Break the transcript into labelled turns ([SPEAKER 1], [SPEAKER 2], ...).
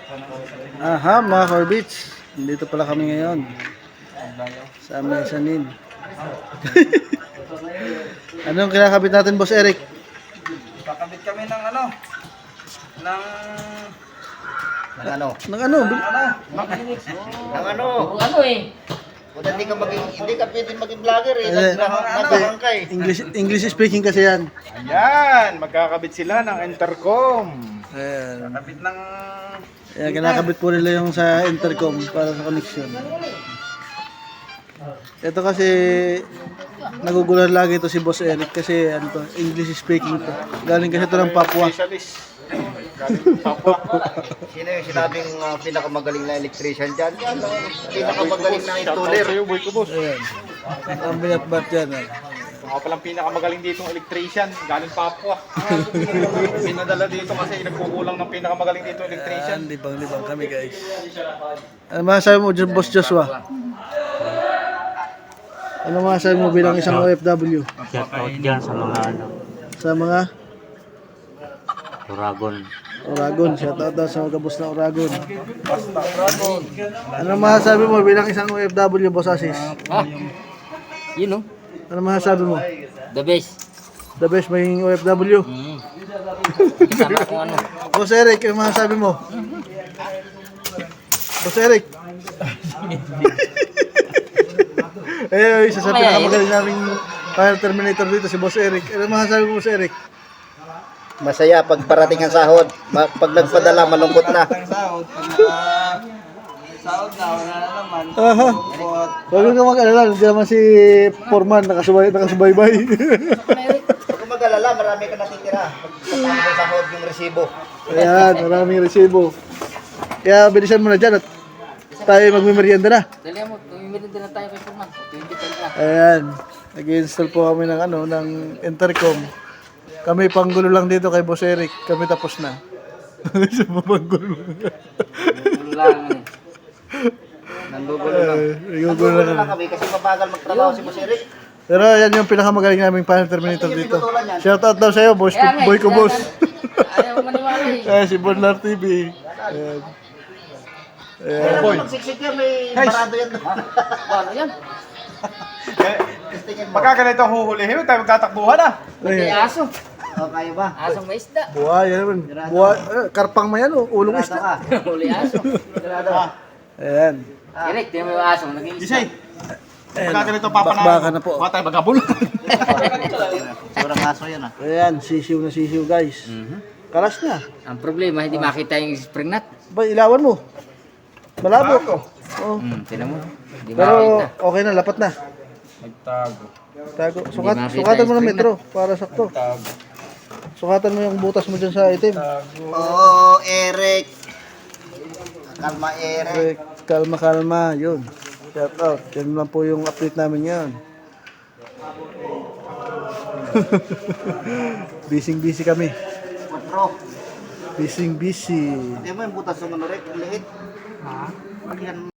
[SPEAKER 1] Aha, mga Corbits. Dito pala kami ngayon. Sa Mesanin. Anong kinakabit natin, Boss Eric?
[SPEAKER 2] Kakabit kami ng ano? Ng
[SPEAKER 1] Ng ano?
[SPEAKER 3] Ano eh?
[SPEAKER 4] Kung hindi ka pwedeng maging vlogger eh.
[SPEAKER 2] Nagahang ka eh.
[SPEAKER 1] English speaking kasi yan.
[SPEAKER 2] Ayan, magkakabit sila ng intercom.
[SPEAKER 1] Ayan.
[SPEAKER 2] Kakabit ng...
[SPEAKER 1] Ayan, kinakabit po nila yung sa intercom para sa connection. Ito kasi nagugulan lagi ito si Boss Eric kasi ano to, English speaking to. Galing kasi ito ng Papua.
[SPEAKER 2] Specialist. Galing Papua.
[SPEAKER 4] Sino yung sinabing pinakamagaling na electrician dyan? Yan, pinakamagaling na installer.
[SPEAKER 2] Sa'yo, boy ko, boss.
[SPEAKER 1] Ayan. Ang binatbat yan.
[SPEAKER 2] Ako palang pinakamagaling dito ng electrician. Galing Papua. Pinadala dito kasi nagkukulang ng pinakamagaling dito electrician.
[SPEAKER 1] Ayan, libang-libang kami guys. Ano masasabi mo, Boss Joshua? Ano masasabi mo bilang isang OFW?
[SPEAKER 3] Shout out dyan sa mga ano,
[SPEAKER 1] Sa mga
[SPEAKER 3] Oragon.
[SPEAKER 1] Shout out daw sa mga kabus na Oragon. Ano masasabi mo bilang isang OFW, Boss Asis?
[SPEAKER 3] Ah, yun oh.
[SPEAKER 1] Ano masasabi mo?
[SPEAKER 3] The best.
[SPEAKER 1] The best maging OFW.
[SPEAKER 3] Sana kung ano.
[SPEAKER 1] Boss Eric, ano masasabi mo? Boss Eric. Isa sa pinakamagaling naming Fire Terminator dito, si Boss Eric. Ano masasabi mo, Boss Eric?
[SPEAKER 4] Masaya pag parating ang sahod. Pag nagpadala, malungkot na.
[SPEAKER 2] Sahod na, wala na naman.
[SPEAKER 1] Aha. Huwag ka mag-alala, nandiyan naman si Foreman, nakasubaybay.
[SPEAKER 4] Huwag kang mag-alala, marami ka natitira. Pagkatapos ng sahod yung resibo.
[SPEAKER 1] Ayan, maraming resibo. Kaya bilisan mo na dyan at tayo magmimerienda na.
[SPEAKER 3] Dali mo, tumimirin din na tayo kay Furman. 20 na.
[SPEAKER 1] Ayan, nag-install po kami ng ng intercom. Kami panggulo lang dito kay Boss Eric. Kami tapos na. Sa panggulo.
[SPEAKER 3] Gulo lang eh.
[SPEAKER 4] Nandugulo lang.
[SPEAKER 1] Naggugulo lang kami.
[SPEAKER 4] Kami kasi mabagal magtrabaho si Boss Eric.
[SPEAKER 1] Pero yan yung pinakamagaling naming Fire Terminator dito. Shout out daw sa'yo, boss. Boy ko, boss.
[SPEAKER 3] Ayaw maniwala eh.
[SPEAKER 1] Si Bonlar TV. Ayan. Ayan.
[SPEAKER 4] Boy. Pagsiksik yan, may parado yan.
[SPEAKER 3] Ano yan?
[SPEAKER 2] Pagka ganito ang huhulihin, tayo magtatakbuhan ah.
[SPEAKER 3] May aso.
[SPEAKER 4] O, kaya ba?
[SPEAKER 3] Asong may isda.
[SPEAKER 1] Buhay, yan naman. Buhay, karpang mayan, ulong
[SPEAKER 4] Grado
[SPEAKER 1] isda.
[SPEAKER 4] ka.
[SPEAKER 3] Huli aso.
[SPEAKER 4] Grado.
[SPEAKER 1] Ayan.
[SPEAKER 3] Eric, tingnan mo yung aso. Nag-iisda.
[SPEAKER 2] Gisay,
[SPEAKER 1] Ayan.
[SPEAKER 2] pagka ganito papanalo.
[SPEAKER 1] Bakbakan na po.
[SPEAKER 2] Mga tayo magabul.
[SPEAKER 4] Sobrang aso yan ah.
[SPEAKER 1] Ayan, sisiw na sisiw, guys. Kalas na.
[SPEAKER 3] Ang problema, hindi makita yung spring nut.
[SPEAKER 1] Ba, ilawan mo. Malabo. Oo.
[SPEAKER 3] Tingnan mo. Hindi
[SPEAKER 1] Pero
[SPEAKER 3] makita.
[SPEAKER 1] okay na, lapat na.
[SPEAKER 2] Nagtago.
[SPEAKER 1] Tago.
[SPEAKER 3] makita
[SPEAKER 1] Sukatan mo
[SPEAKER 3] yung
[SPEAKER 1] ng
[SPEAKER 3] spring
[SPEAKER 1] metro para sakto.
[SPEAKER 2] Tago.
[SPEAKER 1] Sukatan mo yung butas mo dyan sa itim.
[SPEAKER 4] Oo, Eric. Kalma, Eric.
[SPEAKER 1] Kalma, yun. Shout out. Yan lang po yung update namin yan. Busy kami.
[SPEAKER 4] 4.
[SPEAKER 1] Busy.
[SPEAKER 4] Hindi mo yung butas ng ano, Rick. Liit. Ha?